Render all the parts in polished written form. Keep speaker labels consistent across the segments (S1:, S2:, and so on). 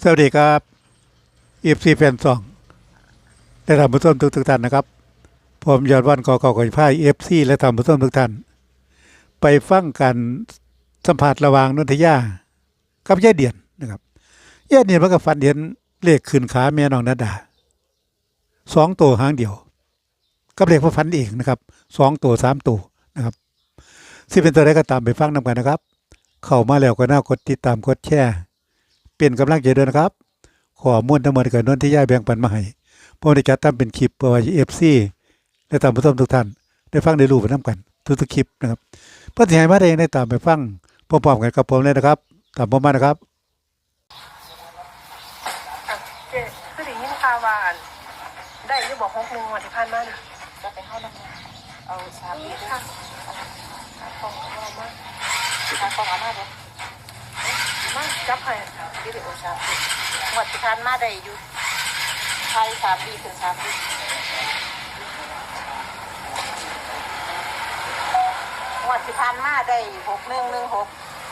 S1: วัสดีครับFCแฟนซองและท่านผู้ชมทุกท่านนะครับผมยอดวันกอก่อยพายFCและท่านผู้ชมทุกท่านไปฟังกันสัมภาษณ์ระหว่างนนทยากับยายเดียนนะครับยายเดียนมันก็ฝันเห็นเลขขึ้นขาแม่น้องนาดา2ตัวหางเดียวกับเลขพระฝันเองนะครับ2ตัว3ตัวนะครับสิเป็นตัวใดก็ตามไปฟังนำกันนะครับเข้ามาแล้วก็น่ากดติดตามกดแชร์เป็นกำลังใจด้วยนะครับข้อมูลทั้งหมดกับนนทิยาแบ่งปันมาให้ผมได้จัดทำเป็นคลิปเพื่อให้ FC และท่านผู้ชมทุกท่านได้ฟังได้รู้ไปนำกันทุกๆคลิปนะครับเพื่อที่ให้มาได้ได้ตามไปฟังพร้อมๆกันกับผมเลยนะครับตามผมมานะครับ
S2: เจ๊คือได้ยินข่าวว่าได้อยู่บอก6 วันที่ผ่านมาน่ะ
S3: จะไปเข้าน้ำเอาสามปีด้วย
S2: ค่ะ
S3: ฟองเอามาฟองเอามาเลย
S2: มาจับให้
S3: วิดีโอสามปีหมดที่ทานมาได้อยู่ไทย3 ปีถึง3 ปีหมดที่ทานมาได้6116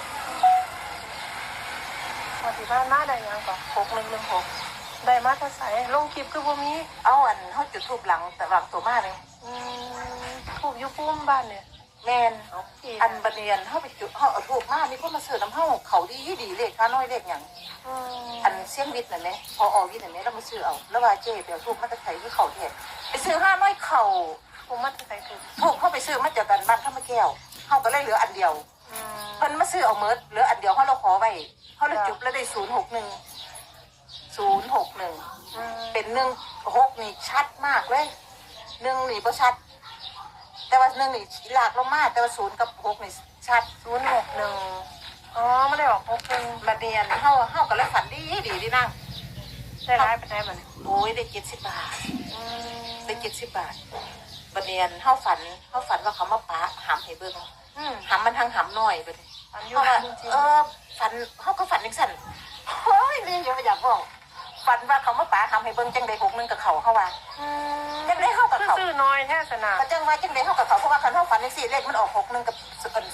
S2: วันที่ผ่านมาได้หยังก่อน
S3: 6116
S2: ได้มาแต่ไสลงคลิปคือบ่มี
S3: เอาอันเฮาจุดทูบหลังแต่หลังตัวมาเลย
S2: ทูบอยู่ปุ้มบ้านเนี่ย
S3: แม่นอันบัดเนียนเฮาไปจุดเฮาเอาทูบมามีคนมาซื้อน้ำเฮาเขาดีเลขค่าน้อยเลขหยังอันเสียงวิทย์นั่นแหละพอออกวิทย์นั่นแหละแล้วมาซื้อเอาแล้วว่าเจ๊เดี๋ยวทูบมันจะใส่ที่เขาเทศไปซื้อ5น้อยเข่า
S2: ผมมาแต่ไสคือ
S3: ถูกเข้าไปซื้อมาจากกันบ้านข้าวมะแก้วเฮาก็เลยเหลืออันเดียวเพิ่นมาซื้อเอาเมิดเหลืออันเดียวเฮาเราขอไว้เฮาเลยจุบแล้วได้061เป็น16นี่ชัดมากเลย1นี่บ่ชัดแต่ว่า1นี่หลากลงมาแต่ว่า0กับ6นี่ชัด
S2: 061อ๋อไม่ได้ออก61
S3: มาเรียนเฮาก็เลยฝันดีนั่ง
S2: ได้ร้ายไปได้บัดนี้
S3: โอ้ยได้70 บาทได้70 บาทบัดเรียนเฮาฝันว่าเขามาปะหำให้เบิ่งหำมันทางหำน้อยบัดนี้เพราะว่าฝันเฮาก็ฝันจังซั่นโอ้ยนี่อยากบอกฝันว่าเขามาปะหำให้เบิ่งจังได๋61กับเขาเฮาว่าจังได๋เฮากับเขา
S2: ซื้อน้อยแท้สนะ
S3: ก็จังว่าจังได๋เฮากับเขาเพราะว่าคันเฮาฝันจังซี่เลขมันออก61กับ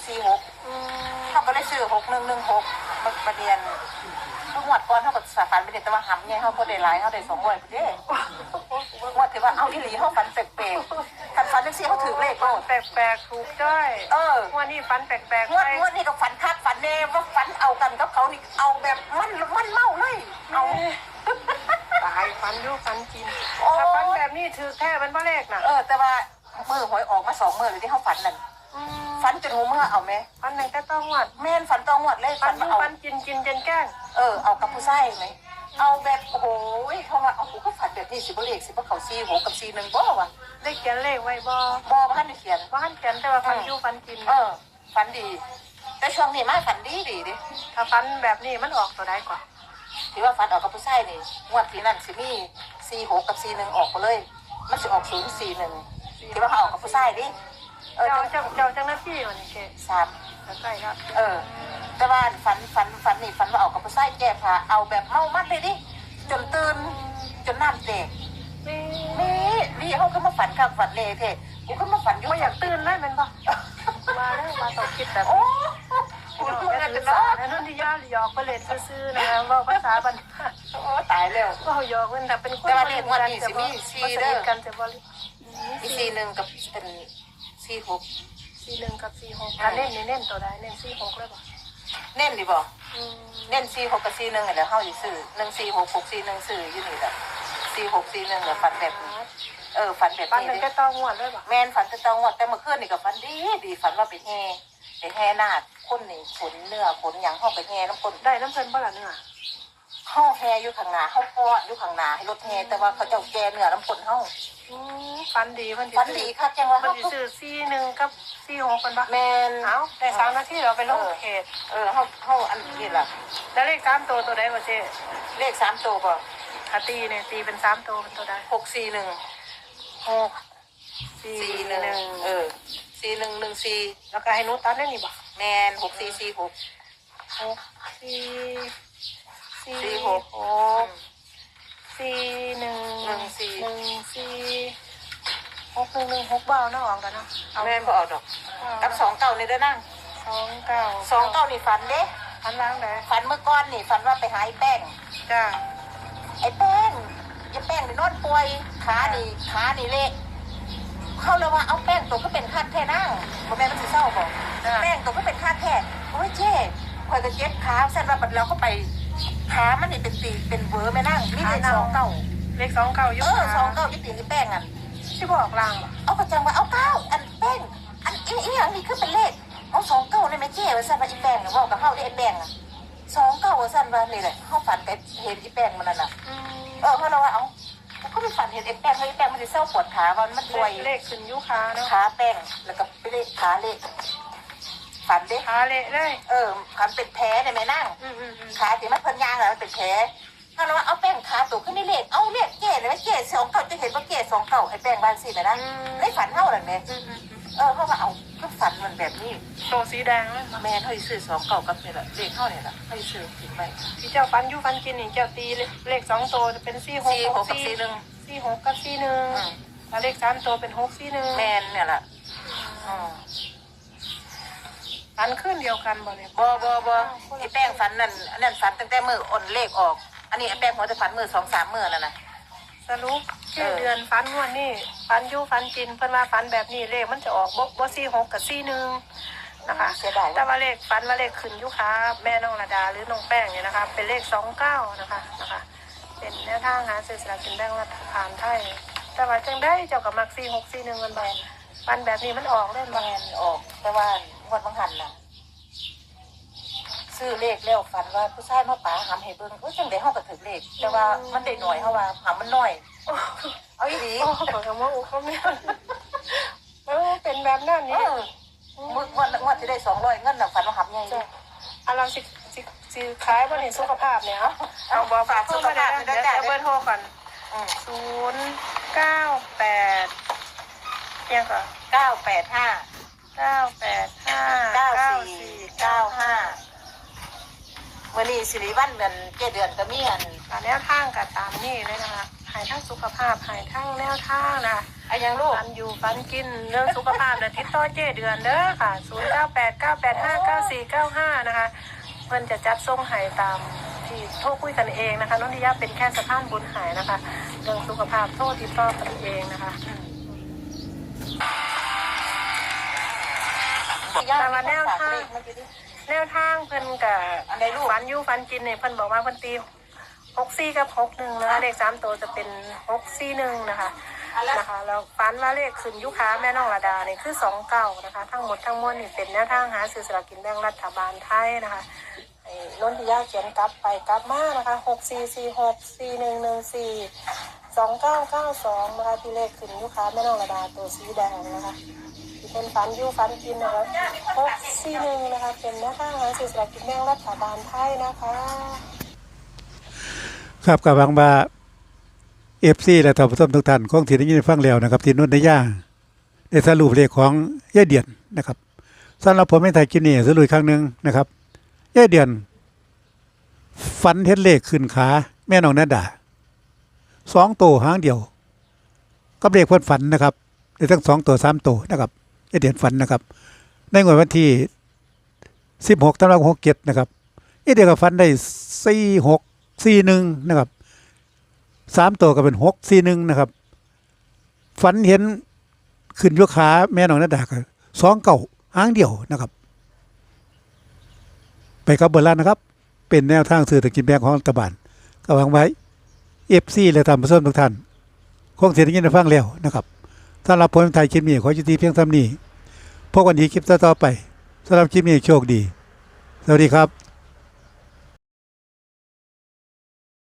S3: 46เฮาก็เลยซื้อ6116บัดเรียนทุกงวดก่อนเฮาก็ฝันไปแต่ว่าหำใหญ่เฮาบ่ได้หลายเฮาได้200พุ่นเด้งวดที่ว่าเอาอีหลีเฮาฝันแปลกๆคันฝันจังซี่เฮาถือเลขโลด
S2: แปลกๆถูกจ้อยวันนี้ฝันแปลกๆ
S3: งวดนี้ก็ฝันคักฝันแน่ว่าฝันเอากันกับเขานี่เอาแบบมันเมาเลยเอา
S2: ตายฝันอยู่ฝันกินถ้าฝันแบบนี้ถือแค่เป็นบ่เลขน่ะ
S3: แต่ว่ามื้อหวยออกมา2มื้อเลยที่เฮาฝันนั่นฝันจนหูเมื่อเอาแม่
S2: ฝันไหนก็ต้องงวด
S3: แม่นฝันต้องงวดเลย
S2: ฝันเอาฝันกินจนแกล้ง
S3: เอากับผู้ชายไหมเอาแบบโอ้โหเพราะว่าเอาก็ฝันแบบนี้สิบ่เลขสิบ่เข้า46กับ41บ่วะ
S2: ได้เขียนเลขไว้บ่
S3: บ่ทันได้เขียน
S2: แต่ว่าฝันอยู่ฝันกิน
S3: ฝันดีแต่ช่วงนี้มาฝันดีดิ
S2: ถ้าฝันแบบนี้มันออกตัวใดก่อน
S3: ที่ว่าฝันออกกับผู้ชายนี่งวดที่นั่นสิมี46กับ41ออกไปเลยมันสิออก041ที่ว่าเขาออกกับผู้ชายดิ
S2: เจ้าจังหน้าที่วันนี้แก
S3: 3
S2: ใกล้แล้ว
S3: แต่ว่าฝันนี่ฝันว่าออกกับผู้ชายแก้ผ้าเอาแบบเมามัดเลยดิจนตื่นจนน้ำแตกนี่เขาขึ้นมาฝันข้างฝันเลยเท่กูขึ้นมาฝันอยู่
S2: ไม่อยากตื่นเลยมันปะมาแล้วมาต่อคิดแบบ
S3: กูเมื่อ
S2: จะนอนนั่นที่ย่าหยอกไปเล่นซื่อๆนะว่าภาษาบัน
S3: ตายแล้ว
S2: ก็หยอกมันแต่เป็นคน
S3: แต่ว่าเรียกว่านี่สิมี4เด้อ
S2: กันจะบริ
S3: มี41กับเป็น46
S2: 41กับ46ถ้าเน้นตัวใดเน้น46เลยป่ะ
S3: เน้นดิบ่เน้น46กับ41นี่แหละเฮาสิซื้อ146 641ซื้ออยู่นี่แหละ46 41แล้วฝันแบบนี้ฝันแบบนี้
S2: ฝันเป็นแค่ต้องงวดเลยป่ะ
S3: แม่นฝันแต่ต้องงวดแต่เมื่อคืนนี่ก็ฝันดีฝันว่าไปแห่นาคคนนี่ขนเนื้อขนหยังเฮาไปแห่น้ำคน
S2: ได้น้ำเพิ่นบ่ล่ะเนื้อ
S3: เฮาแห่อยู่ข้างหน้าเฮาป้อนอยู่ข้างหน้าให้รถแห่แต่ว่าเขาเจ้าแก่เนื้อน้ำคนเฮา
S2: ฝันดี
S3: ค่ะจังว่า
S2: เฮาสิซื้อ41กับ46เพิ่นบ่
S3: แม่น
S2: เอ้าได้3นาทีเราไปลงเขต
S3: เฮาอันนี้ล่ะ
S2: แล้วเลข3ตัวใดบ่เจ๊
S3: เลข3ตัวบ่
S2: ถ้าตีเนี่ยตีเป็น3ตัวเป็นตัวใด
S3: 641 4114
S2: แล้วก็ให้หนูตัดได้นี่บ่
S3: แม่น6446
S2: 64114บ่าวน้าออกกันเนาะ
S3: แม่นบ่ออกดอกกับ29นี่เด้อนั่ง
S2: 29
S3: นี่ฝันเด้
S2: ฝันล้างได้
S3: ฝันเมื่อก่อนนี่ฝันว่าไปหาไอ้แป้ง
S2: จ้า
S3: ไอ้แป้งนี่นอนป่วยขานี่เละเขาเลยว่าเอาแป้งตัวก็เป็นคาดแท้นั่งพ่อแม่มันสิเศร้าบอกแป้งตัวก็เป็นคาดแท้โอ้ยเจ๊คอยก็เจ็บขาเส้นว่าบัดเราก็ไปขามันนี่เป็นตีเป็นเวอร์แม่นั่งมีเลข2 9
S2: เลข2 9ยุ่
S3: 2 9ยี่ตีนี่แป้งอัน
S2: ที่บอกลาง
S3: เอากระจังว่าเอา9อันแป้งอันอีหยังนี่คือเป็นเลขเอา2 9ได้ไหมเจ๊ว่าสั่นว่าอีแป้งว่ากับเฮาได้ไอ้แป้ง2 9ว่าสั่นว่านี่แหละเฮาฝันไปเห็นอีแป้งมันนั่นน่ะเพราะเราว่าเอาก็ไปฝันเห็นไอ้แป้งไอ้แป้งมันจะเศร้าปวดขาวันมันป่วย
S2: เลขขึ้นยุค้าเนาะ
S3: ขาแป้งแล้วก็ไปเลยขาเละฝันเด้
S2: ขาเละเลย
S3: ขาเป็นแผลได้ไหมนั่งขาที่มันเพิ่นยางแล้วมันเป็นแผลถ้าเราเอาแป้งขาตัวขึ้นนี่เลขเอาเลขเก๋เลยเก๋2 9จะเห็นว่าเก๋2 9ไอ้แป้งบ้านสินะนะได้ฝันเท่าไหร่แม่เพราะว่าเอาก็ฝันมันแบบนี้
S2: โตสีแดงเลย
S3: แม่เขาซื้อ2 9กับนี่แหละเลขเท่านี่แหละเขาซื้อถึงไว้
S2: ที่เจ้าฟันยุฟันกินนี่เจ้าตีเลข2 ตัวจะเป็น4 6
S3: 4 6กับ4 1
S2: 4 6กับ4 1แล้วเลข3 ตัวเป็น6 4 1
S3: แม่เนี่ยแหละ
S2: ฟันขึ้นเดียวกันบ่เนี่ย
S3: บ่ไอ้แป้งฝันนั่นอันนั้นฝันตั้งแต่มืออ่อนเลขออกอันนี้ไอ้แป้งหัวจะฝันมือ2-3 มื้อแล้วนะ
S2: สรุปชื่อเดือนฟันงวดนี่ฟันยุฟันกินเพิ่นว่าฟันแบบนี้เลขมันจะออกบ่4 6กับ4 1นะคะ
S3: เสียดาย
S2: แต่ว่าเลขฟันว่าเลขขึ้นยุค้าแม่น้องระดาหรือน้องแป้งเนี่ยนะคะเป็นเลข29นะคะเป็นแนวทางหาซื้อสลากกินแบ่งรัฐบาลไทยแต่ว่าจังได้เจ้ากับมัก4 6 4 1มันบ่ฟันแบบนี้มันออกได้บ่
S3: แม่นออกแต่ว่างวดบางหันน่ะซื้อเลขแล้วฝันว่าผู้ชายมาป๋าหำให้เบิ่งจังได๋เฮาก็ถึกเลขแต่ว่ามันได้หน่อยเฮาว่าหำมันน้อยเอาอีหลี
S2: โอ้ขอคำว่าอุเขาไม่เป็นแบบนั้นนี่
S3: มื้องวดที่ได้200เงินน่ะฝันว่าหำใหญ่เลย
S2: เราสิขายบ่นี่สุขภาพเนี่ยเอาบอกฝากสุขภาพเดี๋ยวเบอร์โทรก่อน098ยังก่อน
S3: มื้อนี้สิริวัลเดือน7 เดือนก็มีอัน
S2: แนวทางกับตามนี่เลยนะคะหายทั้งสุขภาพหายทั้งแนวทางนะ
S3: อันยังลูก
S2: ฟันอยู่ฟันกินเรื่องสุขภาพนะติดต่อเจ้เดือนเด้อค่ะ0989859495นะคะเพิ่นจะจัดส่งให้ตามที่โทรคุยกันเองนะคะนนทิยาเป็นแค่สะพานบุญหายนะคะเรื่องสุขภาพโทรติดต่อกันเองนะคะแต่ว่าแนวทางเพิ่นกับฟันอยู่ฟันกินเนี่ยเพิ่นบอกว่าเพิ่นตี64กับ61นะคะเลข3ตัวจะเป็น641นะคะแล้วฟันว่าเลขขึ้นยุค้าแม่น้องระดาเนี่ยคือ29นะคะทั้งหมดทั้งมวลนี่เป็นแนวทางหาซื้อสลากกินแบ่งรัฐบาลไทยนะคะนนทิยาเขียนกลับไปกลับมานะคะ644641142992นะคะที่เลขขึ้นยุค้าแม่น้องระดาตัวสีแดงนะคะเป็นฟันยูฟันกินนะคะ641นะคะเป็นแนวทางหาซื้อสลากกินแบ่งรัฐบาลไทยนะคะ
S1: ครับกับหวังว่า FC และท่านผู้ชมทุกท่านคงที่ได้ยินฟังแล้วนะครับที่นุ่นได้ย่าได้สรุปเลขของยายเดียนนะครับสำหรับผมไม่ถ่ายคลิปนี้สรุปอีกครั้งนึงนะครับยายเดียนฝันเห็นเลขขึ้นขาแม่น้องนาดา2 ตัวหางเดียวกับเลขเพิ่นฝันนะครับได้ทั้ง2 ตัว3 ตัวนะครับยายเดียนฝันนะครับในงวดวันที่16ธันวาคม67นะครับยายเดียนก็ฝันได้4641นะครับ3 ตัวก็เป็น641นะครับฝันเห็นขึ้นยกขาแม่น้องนาดาก็2 9หางเดียวนะครับไปกับเบอร์ล้านนะครับเป็นแนวทางซื้อสลากกินแบ่งของรัฐบาลก็หวังไว้ FC และท่านผู้ชมทุกท่านคงสิได้ยินได้ฟังแล้วนะครับสำหรับผลไทยคลิปนี้ขอยุติเพียงเท่านี้พบกันอีกคลิปต่อไปสำหรับคลิปนี้โชคดีสวัสดีครับ